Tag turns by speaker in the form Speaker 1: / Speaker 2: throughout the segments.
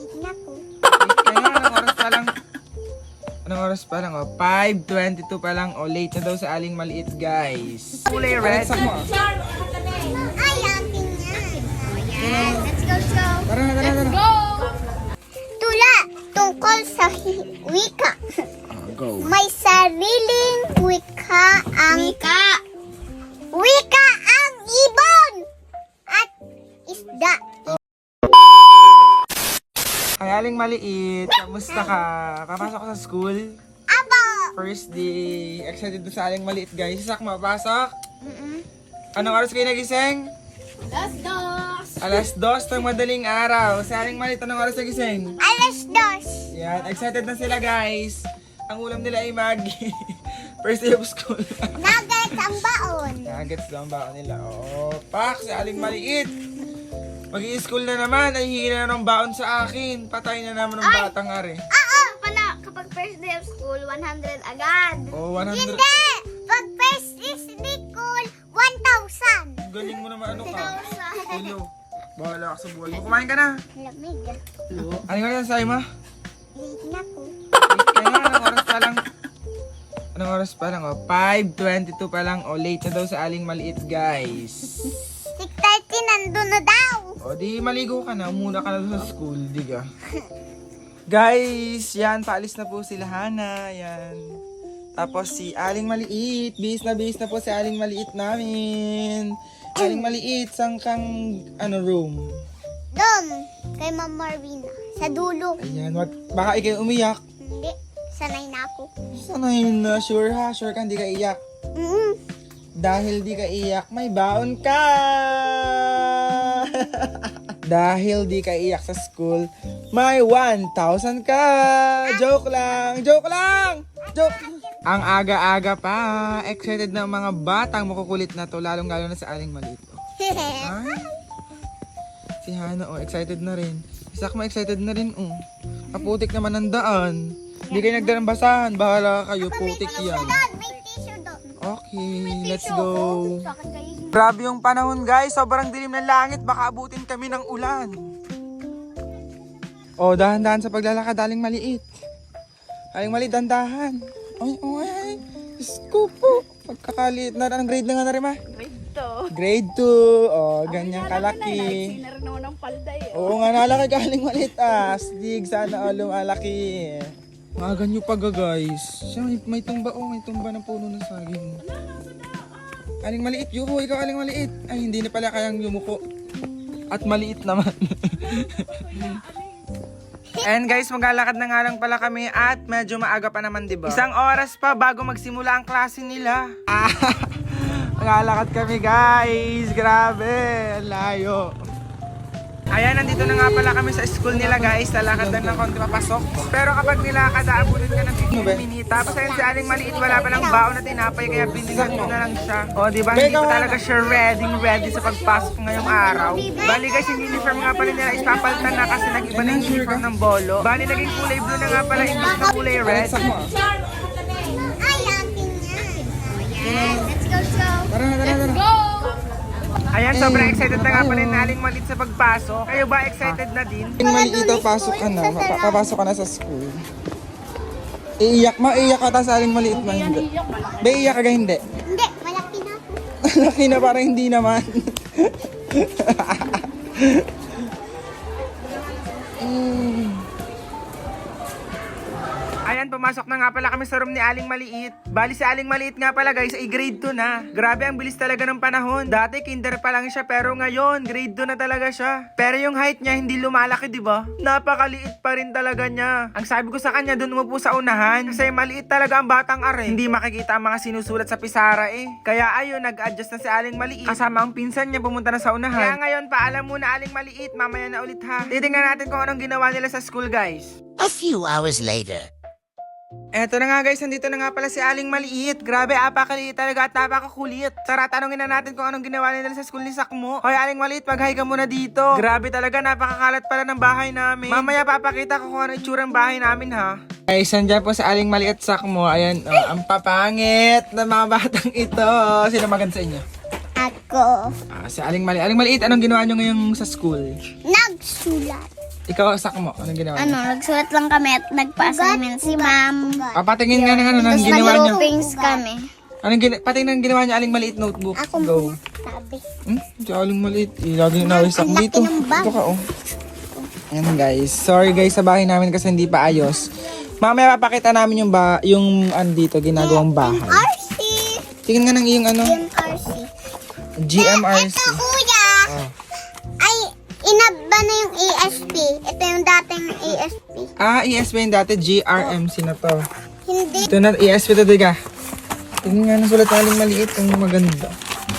Speaker 1: Naku.
Speaker 2: Anong oras pa lang? Anong oras pa lang? 5:22 pa lang. Late na daw sa Aling Maliit, guys. Kulay red.
Speaker 1: Ay, akin yan. Ayan. Let's go.
Speaker 2: Tara na, tara.
Speaker 1: Tula, tungkol sa wika.
Speaker 2: Go.
Speaker 1: May sariling wika ang... Wika ang ibon! At isda.
Speaker 2: Ay, Aling Maliit. Kamusta ka? Papasok ka sa school?
Speaker 1: Abo!
Speaker 2: First day. Excited doon sa Aling Maliit, guys. Sak, mapasok? Anong oras kayo nagising? Alas 2 ng madaling araw. Sa Aling Maliit, anong oras nagising?
Speaker 1: Alas 2.
Speaker 2: Yan, excited na sila, guys. Ang ulam nila ay Maggi. First day of school.
Speaker 1: Nuggets ang baon.
Speaker 2: Nuggets daw ang baon nila. Oo, pak, si Aling Maliit. Mag-i-school na naman. Ay, hingi na ng baon sa akin. Patay na naman ng batang are.
Speaker 1: Oo! Pala, kapag first day of school, 100 agad.
Speaker 2: Oh, 100.
Speaker 1: Hindi! Pag first day of school, 1,000.
Speaker 2: Galing mo naman, ano ka?
Speaker 1: 1,000.
Speaker 2: Hello. Bahala ka sa buhay mo. Kumain ka na.
Speaker 1: Lamig.
Speaker 2: Ano nga sa'yo, ma?
Speaker 1: Naku.
Speaker 2: Anong oras pa lang? Anong oras pa lang? 5:22 pa lang. Late na daw sa Aling Maliit, guys.
Speaker 1: 6:30 nandun na daw.
Speaker 2: Di maligo ka na. Muna ka na doon sa school. Di ka? Guys, yan. Paalis na po sila Hana. Yan. Tapos si Aling Maliit. Bihis na po si Aling Maliit namin. Aling Maliit, saan kang room?
Speaker 1: Doon, kay Ma'am Marvina. Sa dulo.
Speaker 2: Ayan, baka ikaw umiyak.
Speaker 1: Hindi, sanay na ako.
Speaker 2: Sanay na, sure ha? Sure ka, hindi ka iyak. Dahil di ka iyak, may baon ka! Dahil di ka iyak sa school, may 1,000 ka! Joke lang! Joke! Ang aga-aga pa, excited na ang mga batang makukulit na to, lalong-lalo na sa Aling Maliit. Ay, si Hana, excited na rin. Isak mo, excited na rin, Kaputik naman ang daan. Hindi kayo nagdarang basahan, bahala kayo, putik yan.
Speaker 1: May tissue doon.
Speaker 2: Okay, let's go. Grabe yung panahon, guys. Sobrang dilim ng langit. Baka abutin kami ng ulan. Dahan-dahan sa paglalakad, Aling Maliit. Aling Maliit, dahan-dahan. Ay. Diyos ko po. Pagkakaliit na. Anong grade na nga na rin, ma? Grade 2. Ganyan kalaki.
Speaker 3: Sinarno ng palda eh.
Speaker 2: Oo nga, nalaki ka, Aling Maliit. Astig, sana lumalaki. Mga ganyo pa guys. Siya, may tumba, may tumba ng puno ng saging. Aling Maliit, yuko, ikaw Aling Maliit. Ay, hindi na pala kayang yumuko. At maliit naman. And guys, maglalakad na nga lang pala kami at medyo maaga pa naman, diba? Isang oras pa bago magsimula ang klase nila. Maglalakad kami, guys. Grabe, layo. Ayan, nandito na nga pala kami sa school nila, guys. Lalakad lang ng konti papasok. Pero kapag nilakad, aabutin ka ng 15 minutes. Tapos ayun, si Aling Maliit, wala pa lang baon na tinapay, kaya binigyan ko na lang siya. Diba, hindi pa talaga siya ready sa pagpasok ngayong araw. Bali guys, yung uniform nga pala nila is papalitan na kasi nag-iba na yung uniform ng bolo. Bali, naging kulay blue na nga pala, imbis na kulay red.
Speaker 1: Ay, akin yan. Ayan. Let's go.
Speaker 2: Tara. Ayan, sobrang excited na nga pala yung Aling Maliit sa pagpasok. Kayo ba excited na din? Aling Maliit, pasok ka na. Papasok ka na sa school. Iiyak ka ta sa Aling Maliit ba? Hindi. Ba, iiyak ka hindi?
Speaker 1: Hindi, malaki na ako.
Speaker 2: Laki na, parang hindi naman. Ayan, pumasok na nga pala kami sa room ni Aling Maliit. Bali si Aling Maliit nga pala guys, ay grade 2 na. Grabe, ang bilis talaga ng panahon. Dati kinder pa lang siya, pero ngayon grade 2 na talaga siya. Pero yung height niya hindi lumalaki, di ba? Napakaliit pa rin talaga niya. Ang sabi ko sa kanya, doon umupo sa unahan. Kasi maliit talaga ang batang are. Hindi makikita ang mga sinusulat sa pisara eh. Kaya ayun, nag-adjust na si Aling Maliit. Kasama ang pinsan niya, pumunta na sa unahan. Kaya ngayon, paalam muna Aling Maliit. Mamaya na ulit ha. Titingnan natin kung anong ginawa nila sa school, guys.
Speaker 4: A few hours later.
Speaker 2: Eto na nga guys, nandito na nga pala si Aling Maliit. Grabe, apakaliit talaga at napakakulit. Tara, tanongin na natin kung anong ginawa nila sa school ni Sakmo. Hoy Aling Maliit, mag-hi ka muna dito. Grabe talaga, napakakalat pala ng bahay namin. Mamaya papakita ko kung ano itsurang bahay namin ha. Guys, andyan po sa Aling Maliit Sakmo. Ayan, ang papangit ng mga batang ito. Sino maganda sa inyo?
Speaker 1: Ako.
Speaker 2: Si Aling Maliit. Aling Maliit, anong ginawa nyo ngayong sa school?
Speaker 1: Nagsulat.
Speaker 2: Ikaw, Sakmo, anong ginawa niyo?
Speaker 3: Nagsulat lang kami at nagpa-assignment si ma'am.
Speaker 2: Patingin nga ng
Speaker 3: Tapos
Speaker 2: ginawa niyo.
Speaker 3: nag-groupings kami.
Speaker 2: Patingin ng ginawa niyo, Aling Maliit notebook. Go.
Speaker 1: Sabi.
Speaker 2: Si Aling Maliit. Lagi na nawis ako dito. Ito ka, oh. Ayan guys. Sorry guys sa bahay namin kasi hindi pa ayos. Mamaya papakita namin yung andito, ginagawang bahay.
Speaker 1: RC.
Speaker 2: Tingin nga ng iyong ano,
Speaker 1: RC.
Speaker 2: GMRC.
Speaker 1: Ito kuya.
Speaker 2: Oh.
Speaker 1: Ay, inaba na yung ESP. Ito yung dating ESP.
Speaker 2: ESP yung dati, GRMC na to.
Speaker 1: Hindi.
Speaker 2: Ito na, ESP to, diga. Tingin nga ng sulat na Aling Maliit, yung maganda.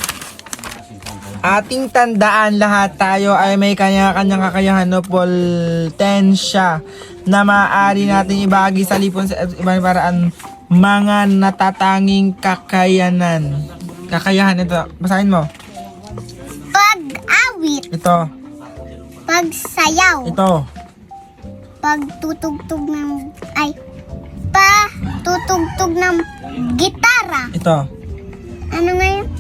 Speaker 2: Ating tandaan, lahat tayo ay may kanya-kanyang kakayahan o potensya na maaari natin ibahagi sa lipon sa ibang paraan, mga natatanging kakayanan. Kakayahan ito. Basahin mo.
Speaker 1: Pag-awit.
Speaker 2: Ito.
Speaker 1: Pagsayaw.
Speaker 2: Ito.
Speaker 1: Pagtutugtog ng... Ay. Patutugtog ng gitara.
Speaker 2: Ito.
Speaker 1: Ano nga yun?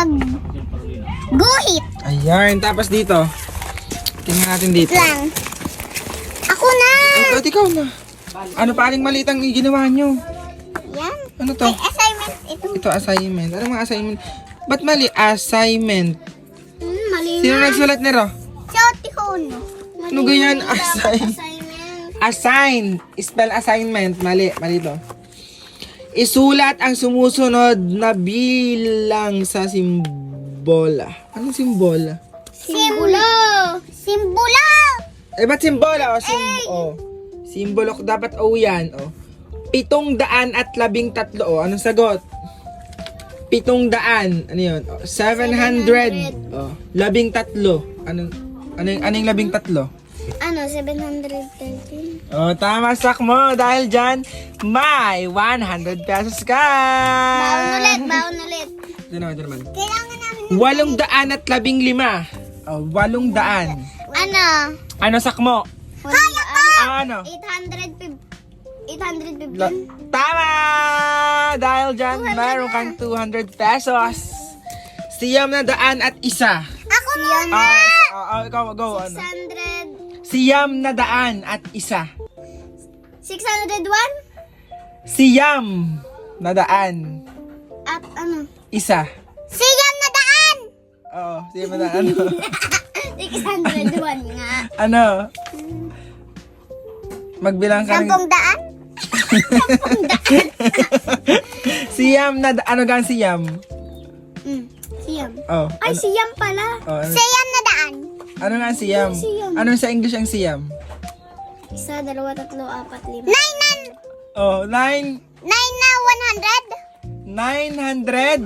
Speaker 1: Guhit
Speaker 2: Ayan. Tapos dito. Tingnan natin dito.
Speaker 1: lang. Ako na!
Speaker 2: Ikaw na. Ano pa Aling Maliit ang ginawa nyo?
Speaker 1: Yan.
Speaker 2: Ano to?
Speaker 1: Ay, assignment.
Speaker 2: Ito assignment. Ano mga assignment? Ba't mali? Assignment.
Speaker 1: Mali
Speaker 2: Sino nagsulat nito?
Speaker 1: Shouty ko no.
Speaker 2: Ano ganyan?
Speaker 1: Assignment.
Speaker 2: Assign. Spell assignment. Mali. Mali to. Isulat ang sumusunod na bilang sa simbola. Anong simbola?
Speaker 1: Simbolo. Simbolo.
Speaker 2: Eh, ba't simbola? Simbolo. Dapat O yan. 713. Anong sagot? 700. Ano yun? 700. 13. Ano yung 13?
Speaker 1: 713.
Speaker 2: Tama, Sakmo. Dahil dyan, may 100 pesos ka.
Speaker 1: Baon ulit.
Speaker 2: Ito naman.
Speaker 1: Kailangan namin
Speaker 2: 815. 800.
Speaker 1: Ano?
Speaker 2: Ano, Sakmo?
Speaker 1: Kaya ko!
Speaker 2: Ano?
Speaker 1: 815.
Speaker 2: Tama! Dahil dyan, mayroon kang 200 pesos. Siyam na daan at isa.
Speaker 1: Ako muna!
Speaker 2: Ikaw, go. Ano?
Speaker 1: 600.
Speaker 2: Siyam na daan at isa.
Speaker 1: 601?
Speaker 2: Siyam na daan.
Speaker 1: At ano?
Speaker 2: Isa.
Speaker 1: Siyam na daan!
Speaker 2: Siyam na daan.
Speaker 1: 601 nga.
Speaker 2: Ano? Magbilang ka ng...
Speaker 1: 10 daan?
Speaker 2: Siyam na ano gang siyam?
Speaker 1: Siyam.
Speaker 2: Ay,
Speaker 1: siyam pala.
Speaker 2: ano?
Speaker 1: Siyam na daan.
Speaker 2: Ano nga ang siyam?
Speaker 1: Siyam.
Speaker 2: Ano sa English ang siyam?
Speaker 1: 1, 2, 3, 4, 5. 9
Speaker 2: 9
Speaker 1: na
Speaker 2: 900?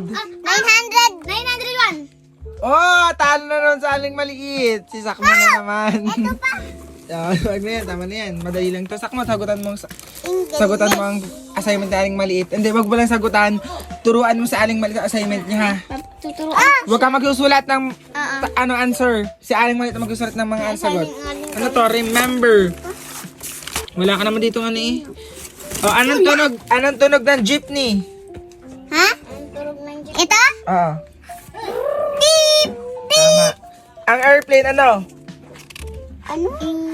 Speaker 1: 900. 901.
Speaker 2: Talo na nun sa Aling Maliit. Si Sakmo na naman.
Speaker 1: Ito pa.
Speaker 2: Wag na yan, tama na yan. Madali lang to. Sakmo, sagutan mo
Speaker 1: English.
Speaker 2: ang assignment ni Aling Maliit. Hindi, wag mo lang sagutan. Turuan mo sa Aling Maliit ang assignment niya, ha?
Speaker 3: Tuturuan.
Speaker 2: Huwag ka magsusulat ng answer. Si Aling Maliit ang magsusulat ng mga sagot. Ano to? Remember. Wala ka naman dito ano eh. Anong tunog? Anong tunog ng jeepney?
Speaker 1: Ha? Ito?
Speaker 2: Oo.
Speaker 1: Beep.
Speaker 2: Tama. Ang airplane ano?
Speaker 1: Ano?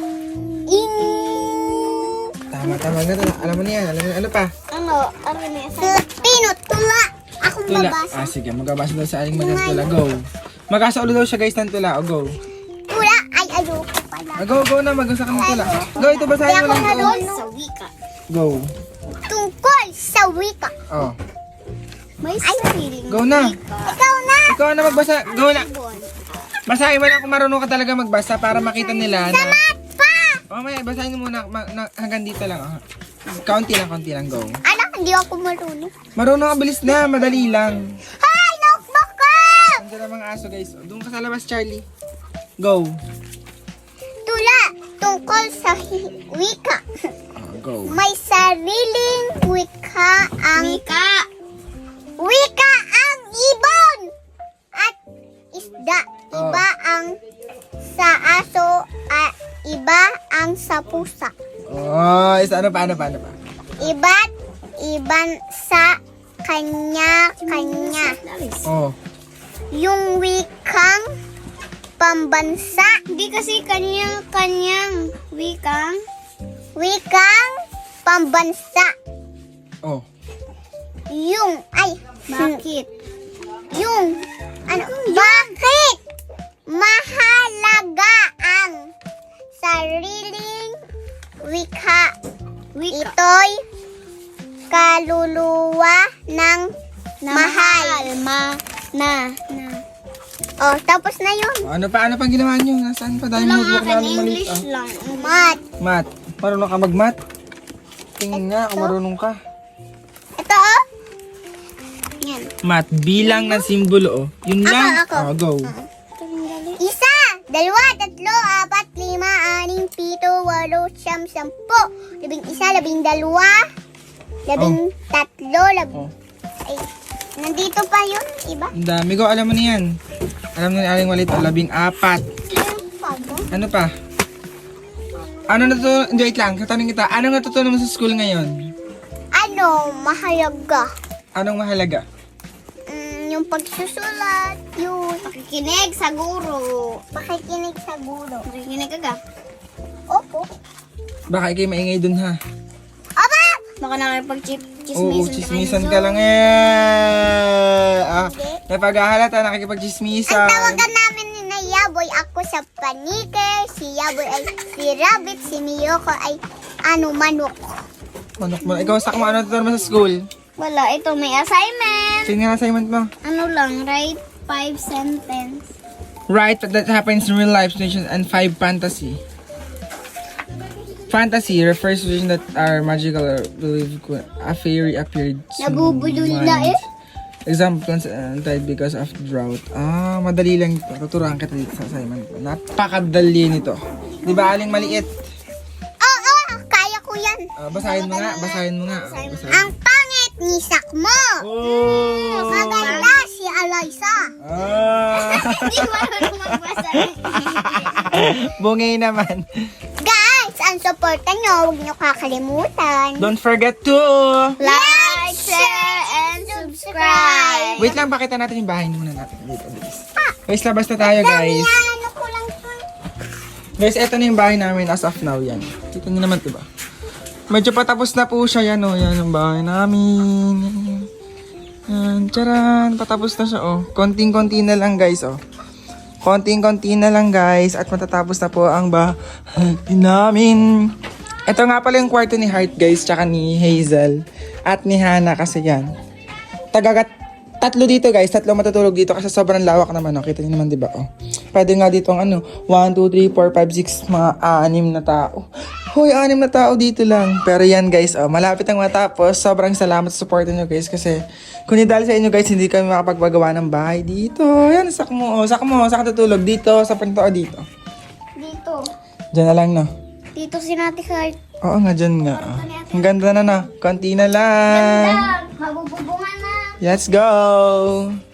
Speaker 2: Tama. Alam mo na yan. Alam mo ano pa?
Speaker 1: Ano? Ano na yan? Pino, tula. Akong
Speaker 2: Tula.
Speaker 1: babasa.
Speaker 2: Sige, magabasa daw sa Aling Maliit ng tula. Go. Magasa ulit daw siya guys ng tula. Go.
Speaker 1: Tula. Ay, ayoko pala.
Speaker 2: Go na. Magasa ka ng tula. Go, ito basahin mo lang. Go.
Speaker 1: Sa wika.
Speaker 2: Go.
Speaker 1: Tungkol sa wika.
Speaker 3: May sariling
Speaker 2: Go na.
Speaker 1: Ikaw na.
Speaker 2: Ikaw na magbasa. Go na. Basahin mo lang kung marunong ka talaga magbasa para makita nila na... Mamaya, basahin mo muna. Hanggang dito lang. Kaunti lang. Go.
Speaker 1: Anak, hindi ako marunong.
Speaker 2: Marunong ka, bilis na. Madali lang.
Speaker 1: Hi, notebook ko!
Speaker 2: Andiyan ang mga aso, guys. Doon ka sa labas, Charlie. Go.
Speaker 1: Tula. Tungkol sa wika.
Speaker 2: Go.
Speaker 1: May sariling wika ang... Wika ang ibon! At isda. Iba ang sa aso at iba ang sa pusa.
Speaker 2: Ano pa?
Speaker 1: Iba't iban sa kanya-kanya.
Speaker 2: Oh.
Speaker 1: Yung wikang pambansa.
Speaker 3: Hindi kasi kanyang wikang
Speaker 1: Wikang pambansa.
Speaker 2: Oh.
Speaker 3: bakit?
Speaker 1: Bakit mahalaga ang sariling wika?
Speaker 3: Wika.
Speaker 1: Ito'y kaluluwa ng mahal.
Speaker 3: Na.
Speaker 1: Oh, tapos na yun.
Speaker 2: Ano pang ginawa nyo? Nasaan pa? Dahil
Speaker 3: Walang
Speaker 2: notebook
Speaker 3: akin,
Speaker 2: namin maliit.
Speaker 3: English lang.
Speaker 1: Mat.
Speaker 2: Mat. Marunong ka mag-mat? Tingin nga kung marunong ka.
Speaker 1: Ito oh. Yan.
Speaker 2: Mat, bilang ng simbolo, oh. Yun lang.
Speaker 1: Ako.
Speaker 2: Oh, go.
Speaker 1: Isa, dalawa, tatlo, apat, lima, anim, pito, walo, siyam, sampu, 11, 12, 13,
Speaker 2: Oh.
Speaker 1: ay, nandito pa yun, iba?
Speaker 2: Ang dami ko. Alam mo na yan. Alam na ni Aling Walit. 14. Ano pa? Ano natutunan? Hindi, wait lang. Katanong kita. Anong natutunan mo sa school ngayon?
Speaker 1: Ano, mahalaga?
Speaker 2: Anong mahalaga?
Speaker 1: Yung pagsusulat, yun.
Speaker 3: Pakikinig sa guro.
Speaker 1: Pakikinig sa guro.
Speaker 3: Pakikinig ka.
Speaker 1: Opo.
Speaker 2: Baka ikay maingay dun ha.
Speaker 1: Aba!
Speaker 3: Baka nakipag-chismisan
Speaker 2: Oo, chismisan ka lang eh. Napaghahalata, nakikipag-chismisan.
Speaker 1: Ang tawagan namin ni na Yaboy, ako sa panike, si Yaboy ay si Rabbit, si Miyoko ay manok.
Speaker 2: Manok mo. Ikaw, sak mo, ano natutunan mo sa school?
Speaker 3: Wala, ito may assignment.
Speaker 2: Sige nga assignment mo.
Speaker 3: Ano lang, write 5 sentence.
Speaker 2: Right, that happens in real life situations and 5 fantasy. Fantasy refers to situations that are magical or believed a fairy appeared.
Speaker 1: Nabubulol na eh.
Speaker 2: Examples died because of drought. Madali lang ito. Tuturuan kita dito sa assignment. Napakadali nito. Di ba, Aling Maliit?
Speaker 1: Oo, kaya ko yan.
Speaker 2: Basahin mo nga. Basahin.
Speaker 1: Ang pangit ni Sakmo.
Speaker 2: Oh!
Speaker 1: Maganda si Alaysa.
Speaker 3: Hindi ko marunong magbasa.
Speaker 2: Bungay naman.
Speaker 1: Guys, ang suporta nyo, huwag nyo kakalimutan.
Speaker 2: Don't forget to...
Speaker 3: Like, share, and subscribe.
Speaker 2: Wait lang, pakita natin yung bahay muna natin. Dito, bilis. Guys, labas na tayo, guys.
Speaker 1: Ano ko lang to?
Speaker 2: Guys, eto na yung bahay namin as of now, yan. Kita nyo naman, diba? Medyo patapos na po siya, yan, oh. Yan ang bahay namin. Yan, tsaran. Patapos na siya, oh. Konting-konti na lang, guys, oh. Konting-konti na lang, guys. At matatapos na po ang bahay namin. Ito nga pala yung kwarto ni Heart, guys, tsaka ni Hazel. At ni Hannah, kasi yan. Tatlo dito, guys. Tatlo matutulog dito kasi sobrang lawak naman, oh. Kita niyo naman, diba, oh. Pwede nga dito ang 1, 2, 3, 4, 5, 6, mga 6 na tao. Hoy, 6 na tao dito lang. Pero yan, guys, oh, malapit ang matapos. Sobrang salamat sa support niyo, guys, kasi kung hindi dahil sa inyo, guys, hindi kami makapagpagawa ng bahay dito. Yan, sak mo, saan ka tutulog? Dito, sa pinto o dito?
Speaker 3: Dito.
Speaker 2: Diyan na lang, no?
Speaker 3: Dito si Nati Heart.
Speaker 2: Oo nga, dyan nga. Oh. Ang ganda na, no? Konti na lang.
Speaker 3: Mabububungan na.
Speaker 2: Let's go!